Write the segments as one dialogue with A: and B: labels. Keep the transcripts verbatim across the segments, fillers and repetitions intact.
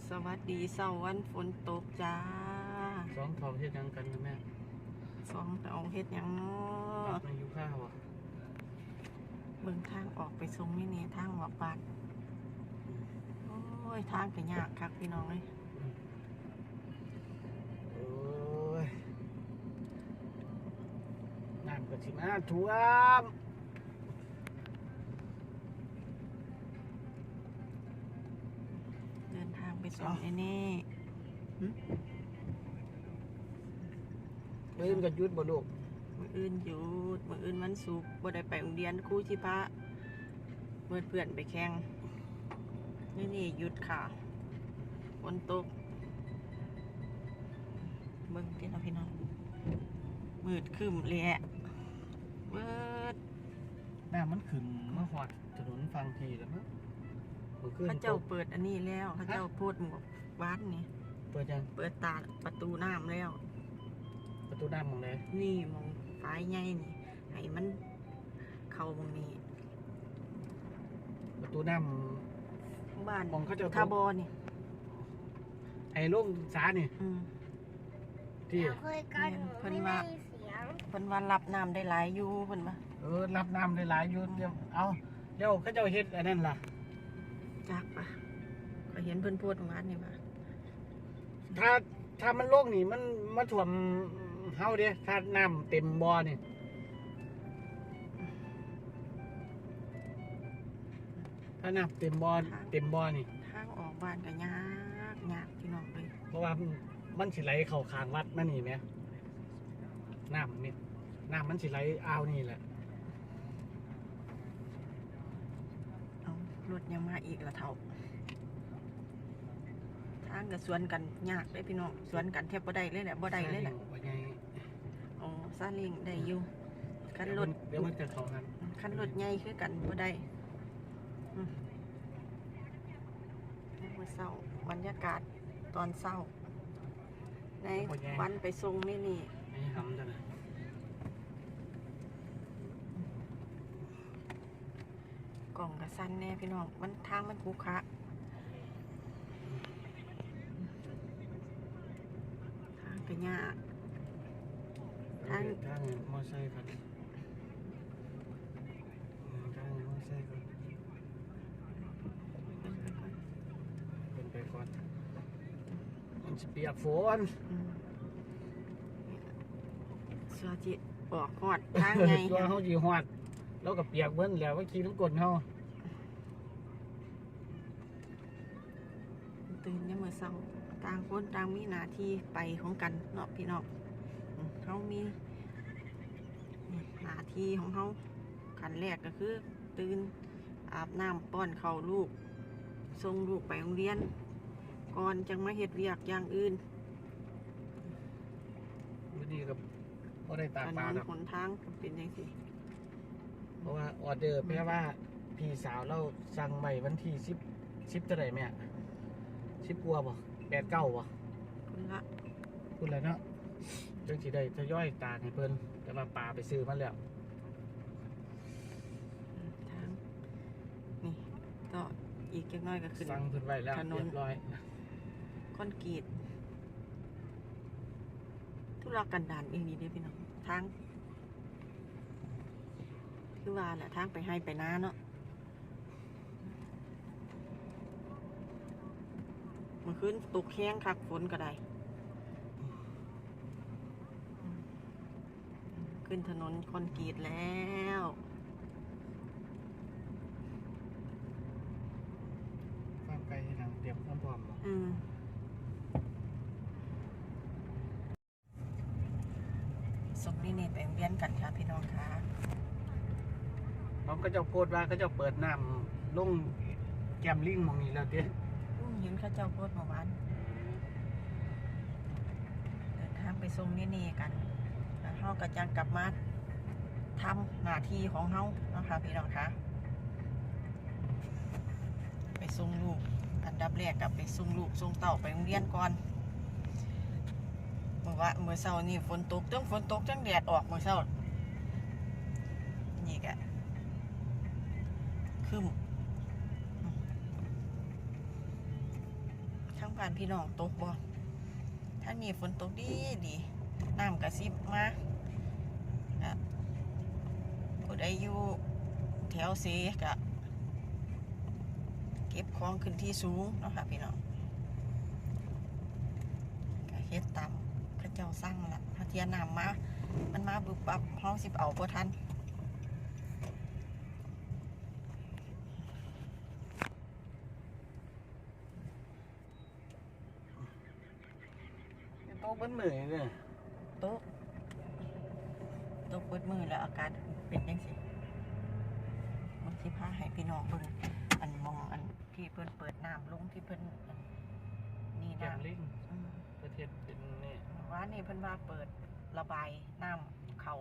A: สวัสดีเสาร์วันฝนตกจ้า
B: สองทองเฮ็ดยังกันนะแม่
A: สองเอาเฮ็ดหยังเนาะ
B: มาอยู่ข้าวอ่ะ
A: เบิ่งทางออกไปทรงนี่นี่ทางออกบ้านโอ้ยทางก็ยากคักพี่น้องเอ้ย
B: โอ้ยน้ำก็สิมาท่วม
A: เดินทางไปส่งไอ้นี่หึ
B: มื้อนี้ก็หยุดบ่ลูก
A: มื้ออื่นหยุดมื้ออื่นวันศุกร์บ่ได้ไปโรงเรียนครูชิพะเพื่อนเพื่อนไปแข่งนี่นี่หยุดค่ะฝนตกเบิ่งที่เราพี่น้องมืดครึ้มแหละเบิด
B: น้ำมันขึ้นมาฮอดถนนฟังทีแล้วมั้งมื้อคืน
A: เขาเจ้าเปิดอันนี้แล้วเขาเจ้าโพดหมวกบ้านนี่
B: เปิดยัง
A: เปิดตาประตูน้ำแล้ว
B: ประตูน้ำหม้องใด
A: นี่มองฟ้ายใหญ่นี่ให้มันเข้าตรงนี้
B: ประตูน้
A: บ้าน
B: ำมองเขาเจ้า
A: ทาบอนี่
B: ไอ้ลงสานี่
A: อืม
B: ที่
C: เคยกัน
A: เพิ่น
C: ไม่
A: ว่า
C: ได้เสียง
A: เพิ่นว่ารับน้ำได้หลายอยู่เพิ่นว่า
B: เออรับน้ำได้หลายอยู่เดี๋ยวเอาเดี๋ยวเขาเจ้าเฮ็ดอันนั้นล่ะ
A: จักปะก็เห็นเพิ่นโพดบ้านนี่ว่า
B: ถ้าถ้ามันโลกนี่มันมาท่วมเฮาเด้ถ้าน้ำเต็มบ่อนี่ถ้าน้ำเต็มบ่อเต็มบ่อนี่
A: ทางออกบ้านก็ยากยากพี่น้องเลย
B: เพราะว่ามันสิไหลเข้าข้างวัดนั่นนี่แหมน้ำนี่น้ำมันสิไหลอ่าวนี่แหละ
A: เอารถยังมาอีกละเท่าทางก็สวนกันยากเลยพี่น้องสวนกันแทบบ่ได้เลยแหละบ่ได้เลยแหละอ๋อซาเล้งได้อยู่คันรถ
B: เดี๋ยวมันจะเข้ากัน
A: คันรถใหญ่คือกันบ่ได้อืมมื้อเช้าบรรยากาศตอนเช้าในวันไปส่งนี่นี่
B: ให้ทำจังได๋
A: กล่องกระสั้นแน่พี่น้องมันทางมันขรุขระทางก็ยาก
B: ทางทางมอไซค์ครับทางมอไซค์ครับเป็นไปก่อนมันสิเปียกฝน
A: สวัสดีออกหอดทางไง
B: ตัวเฮาสิฮอดแล้วก็เปียกเบิ้นแล้วว่าขี่น้ำกลเฮา
A: ตื่นยังมื้อเช้าต่างคนต่างมีหน้าที่ไปของกันเนาะพี่น้องเขามีหน้าที่ของเขาขั้นแรกก็คือตื่นอาบน้ำป้อนข้าวลูกส่งลูกไปโรงเรียนก่อนจังมาเฮ็ดเวียกอย่างอื่น
B: มื้อนี้ก็บ่ได้ตากปลาดอก
A: หนทางเป็นจังซี่
B: เพราะว่าออเดอร์แม่ว่าพี่สาวเราสั่งไว้วันที่สิบ สิบเท่าใดแม่สิบกว่าบ่แปด เก้าบ่
A: พุ่นละ
B: พุ่นแล้วเนาะจังสิได้ทยอยตากให้เพิ่นแต่ว่าปลาไปซื้อมาแล้ว
A: ทางนี่ก็อีกจักหน่อยก็ขึ้น
B: สั่งเพิ่นไว้แล้วเรียบร้อย
A: คอนกรีตธุรกันดารอีกนิดเดียวพี่น้องทางคือว่าแหละทางไปให้ไปนาเนาะเมื่อคืนตกแข้งคักฝนก็ได้ขึ้นถนนคอนกรีตแล้ว
B: ความไกลทางเตรียมความพร้อม
A: อืมส่งนี่นี่ไปเรียนกันค่ะพี่น้องค่ะ
B: น้องก็จะโพดว่าก็จะเปิดน้ำลงแก้มลิงมองนี้แล้วเด้
A: เห็นข้าเจ้าโพดเมื่อวานเดินทางไปส่งนี่นี่กันแล้วเฮาก็จะกลับมาทำหน้าที่ของเฮาเนาะค่ะพี่น้องค่ะไปส่งลูกอันดับแรกกับไปส่งลูกส่งเต่าไปโรงเรียนก่อนเมื่อว่าเมื่อเช้านี่ฝนตกจังฝนตกจังแดดออกเมื่อเช้านี่กะคึมทั้งบ้านพี่น้องตกบ่ถ้ามีฝนตกดีดีน้ำกระซิบมาก็ผู้ใดอยู่แถวเสก็เก็บของขึ้นที่สูงเนาะค่ะพี่น้องก็เฮ็ดตามพระเจ้าสร้างละถ้าเทียนน้ำมามันมาบึบบับเฮาสิเอาบ่ทัน
B: โต๊ะมันเหนื่อยเนี่ย
A: ตกตกเปิดมือแล้วอากาศเป็นจังซี่มันสิพาให้พี่น้องเบิ่งอันมองอันที่เพิ่นเปิดน้ำลงที่เพิ่นอันนี่
B: แกม
A: น้ำ
B: ลิง
A: อืม
B: ประเทศเป็นนี่
A: ว่านี่เพิ่นว่าเปิดระบายน้ำเขา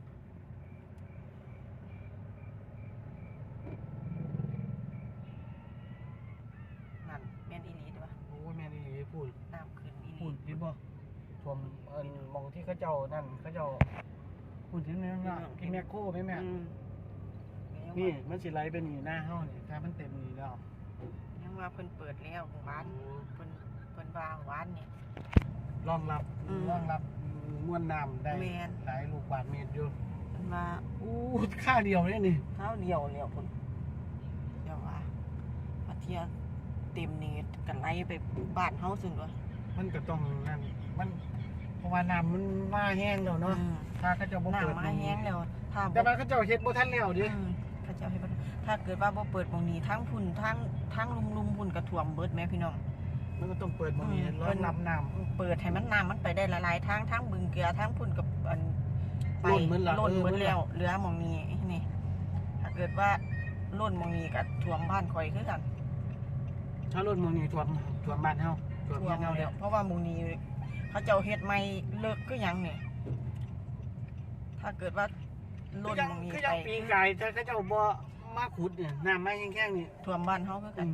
A: นั่นแม่นอีหลีเด้อ
B: โอ้แม่นี่พูด
A: น้ำขึ้นอีห
B: พู
A: ลี
B: ดคิดบ่ชมเอินมองที่เขาเจ้านั่นเขาเจ้าพูดถึงนี่นะกินแมคโครไหมแม่
A: อืม
B: นี่มันสิไหลไปนี่หน้าเฮานี่ถ้ามันเต็มนี่แล้ว
A: ยังว่าเพิ่นเปิดแล้วหวานเพิ่นเพิ่นว่าหวานนี่
B: รองรับ
A: อืม
B: รองรับมวลน้ำได้
A: แม่น
B: หลายลูกบาศก์เมตรอยู่
A: เพิ่นว่า
B: อู้ค่าเดียวเนี่ยนี่
A: เท้าเดียวแล้วเพิ่นเดี๋ยวว่าพอเที่ยเต็มนี่กันไหลไปบ้านเฮาซึ่งด้วย
B: มันก็ต้องนั่นมันเพราะว่าน้ำมันมาแห้งแล้วเนาะ
A: อืม
B: ถ้าเขาเจ้าบ่เปิด
A: น้ำมาแห้งแล้วถ้า
B: แต่
A: บ่
B: ว่าเขาเจ้าเฮ็ดบ่ทันแล้วดิ
A: อืมเขาเจ้าให้บ่ถ้าเกิดว่าบ่เปิดหม่องนี้ทั้งพุ่นทั้งทั้งลุมๆพุ่นก็ท่วมเบิดแม่พี่น้อง
B: มันก็ต้องเปิดหมองนี้
A: อืม
B: รองรับน้ำ
A: เปิดให้มันน้ำมันไปได้หลายๆทางทั้งบึงเกลือทั้งพุ่นกับอันไป
B: ล้นหมดละ
A: ล้น
B: เออ
A: หมด
B: หมดละ
A: แล้วเหลือหม่องนี้นี่ถ้าเกิดว่าล้นหม่องนี้ก็ท่วมบ้านข่อยคือกัน
B: ถ้ารถหมองนี้ท่วมท่วมบ้านเฮาท่วม
A: ท่ว
B: เฮีย
A: ม
B: นเฮา
A: แล้
B: แล้ว ว
A: เพราะว่าหม่องนี้เขาเจ้าเฮ็ดใหม่เลิกคือหยังนี่ถ้าเกิดว่าล้น
B: คือยัง
A: หม่องนี้
B: คือ
A: ไป
B: ยังปีกายถ้าเขาเจ้าบ่มาขุดเนี่ยน้ำมาแห้งๆนี่
A: ท่วมบ้านเฮาคือกั
B: อื
A: น
B: ม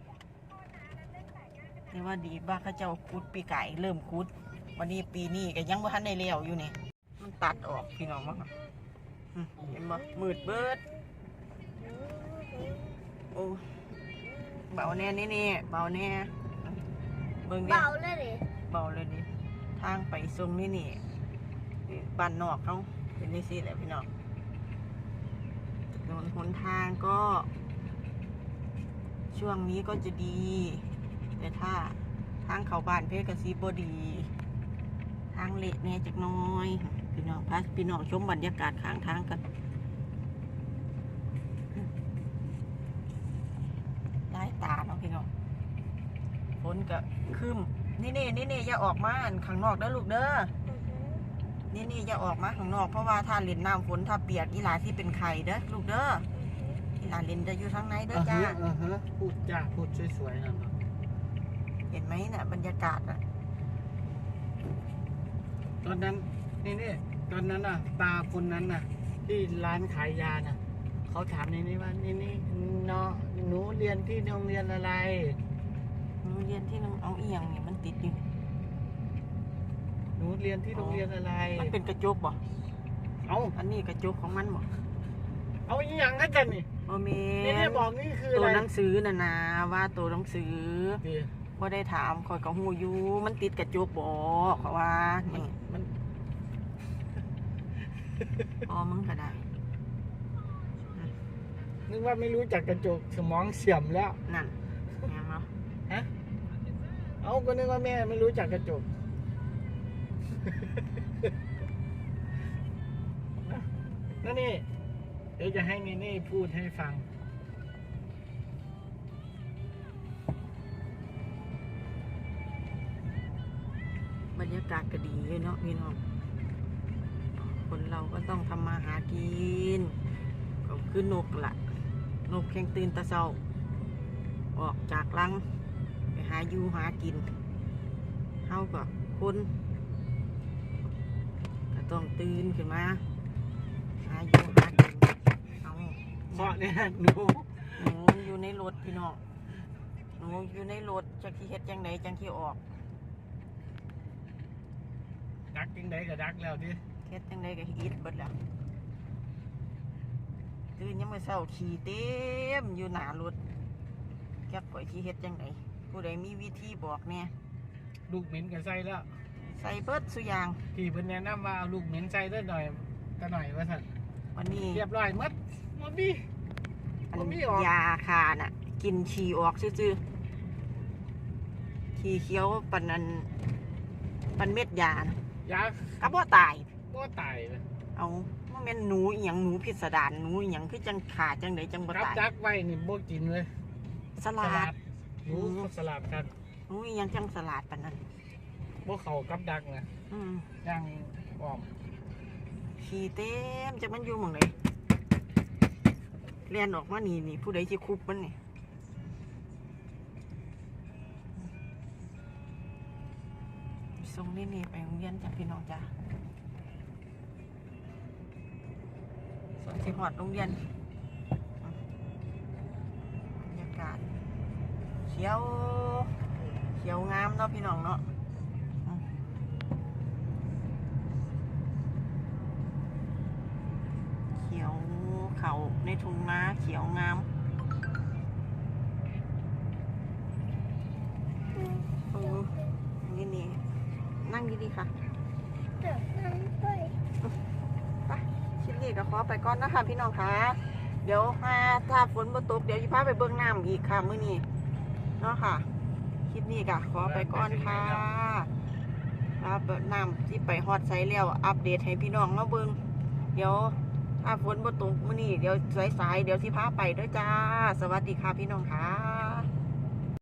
A: นี่ว่าดีบ้าเขาเจ้าคุดปีไก่เริ่มคุดวันนี้ปีนี้ก็ยังบ่ทันได้เลี้ยวอยู่นี่มันตัดออกพี่น้องมั้งเห็นบ่มืดเบิดโอ้เบาแน่นี่นี่เบาแน่เบิ่งดิ
C: เบาเลยดิ
A: เบาเลยนี่ทางไปทรงนี่นี่บ้านนอกเขาเป็นนี่สิแหละพี่น้องถนนหนทางก็ ช่วงนี้ก็จะดีแต่ถ้าทางเข้าบ้านเพชรกระซีบดี ทางเละแน่จักหน้อยพี่น้องพาพี่น้องชมบรรยากาศข้างทางกันไล่ตาเนาะพี่น้องฝนก็คืมนี่นี่นี่นี่อย่าออกมาข้างนอกเด้อลูกเด้อนี่นี่อย่าออกมาข้างนอกเพราะว่าถ้าเล่นน้ำฝนถ้าเปียกอีหลาที่เป็นไข่เด้อลูกเด้ออีหลาเล่นจะอยู่ทางไหนเด้อจ้า
B: อ่าฮะพูดจ้าพูดสวยๆนั่นเนาะ
A: เห็นไหมน่ะบรรยากาศอ่ะ
B: ตอนนั้นนี่นี่ตอนนั้นน่ะตาคนนั้นน่ะ ที่ร้านขายยาน่ะเขาถามนี่นี่ว่านี่นี่เนาะหนูเรียนที่โรงเรียนอะไร
A: หนูเรียนที่น้องเอาเอียงนี่มันติดอยู่
B: หนูเรียนที่โรงเรียนอะไร
A: มันเป็นกระจกบ่
B: เอา
A: อันนี้กระจกของมันบ่
B: เอาอีหยังกันจันนี่
A: โอเม
B: นี่นี่
A: น
B: บอกนี่คือ
A: ตั
B: อะ
A: ว
B: ไร
A: หนังสือน่ะนะว่าตัวหนังสือ
B: ดี
A: บ่ได้ถามคอยก็ฮู้อยู่มันติดกระจกบ่เขาว่านี่
B: มัน
A: อ๋อมึงก็ได้
B: นึกว่าไม่รู้จักกระจกสมองเสื่อมแล้ว
A: นั่นแม่นบ่
B: ฮะเอาก็นึกว่าแม่ไม่รู้จักกระจก นั่นนี่เดี๋ยวจะให้นี่นี่พูดให้ฟัง
A: บรรยากาศก็ดีอยู่เนาะพี่น้องคนเราก็ต้องทำมาหากินก็คือนกล่ะนกแข่งตื่นแตะเช้าออกจากรังไปหาอยู่หากินเฮาก็คนก็ต้องตื่นขึ้นมาหาอยู่หากินเอา
B: เพราะเนี่ยหนู
A: หนูอยู่ในรถพี่น้องหนูอยู่ในรถจักที่เฮ็ดจังไดจังที่ออก
B: ดักยังไงก็ดักแล้วดิ
A: เฮ็ดจังไดก็อีดเบิดแล้วตื่นยังมื้อเช้าขี่เต็มอยู่หน้ารถแก๊บก่อยที่เฮ็ดจังไดผู้ใดมีวิธีบอกเนี่ย
B: ลูกเหม็นก็ใส่แล้ว
A: ใส่เบิดสุอยาง
B: ที่เพิ่นแนะนำว่าเอาลูกเหม็นใส่เด้อหน่อยก็หน่อยว่าซั่น
A: วันนี้
B: เรียบร้อยหมดบ่มี
A: อัน
B: บ่มีออก
A: ยาคาน่ะ กินฉี่ออกซื่อๆขี้เขียวปันนั้นปันเม็ดยานะ
B: ยา
A: ก็บ่ตาย
B: บ่ตายเลย
A: เอาว่าแม่นหนูอหย่างหนูพิสดารหนูอหย่างคือจังขาจังไดจังบ่
B: รับ
A: ตาย
B: จักไว้นี่บ่กินเลย
A: สลัด
B: หนูสลัดกัน
A: หนูอหย่างจังสลัดปานนั้น
B: บ่เข้ากับดักนะ
A: อืม
B: ย่างอ้อม
A: ขี้เต็มจักมันอยู่หม่องใดเลียนออกมานี่นี่ผู้ใดสิคุบมันนี่ส่งนี่นี่ไปโรงเรียนจ้ะพี่น้องจ้ะส่วนสิฮอดโรงเรียนบรรยากาศเขียวเขียวงามเนาะพี่น้องเนาะอืมเขียวเขาในทุ่งนาเขียวงามเออนี่นี่นั่งดีๆค่ะไปคลิปนี้ก็ขอไปก่อนนะคะพี่น้องค่ะเดี๋ยวมาถ้าฝนบ่ตกเดี๋ยวจะพาไปเบิ่งน้ำอีกค่ะมื้อนี้เนาะค่ะคลิปนี้ก็ขอไปก่อนค่ะพาเปิดน้ำที่ไปฮอดไซแล้วอัปเดตให้พี่น้องมาเบิ่งเดี๋ยวถ้าฝนบ่ตกมื้อนี้เดี๋ยวสายๆเดี๋ยวสิพาไปเด้อจ้าสวัสดีค่ะพี่น้องค่ะ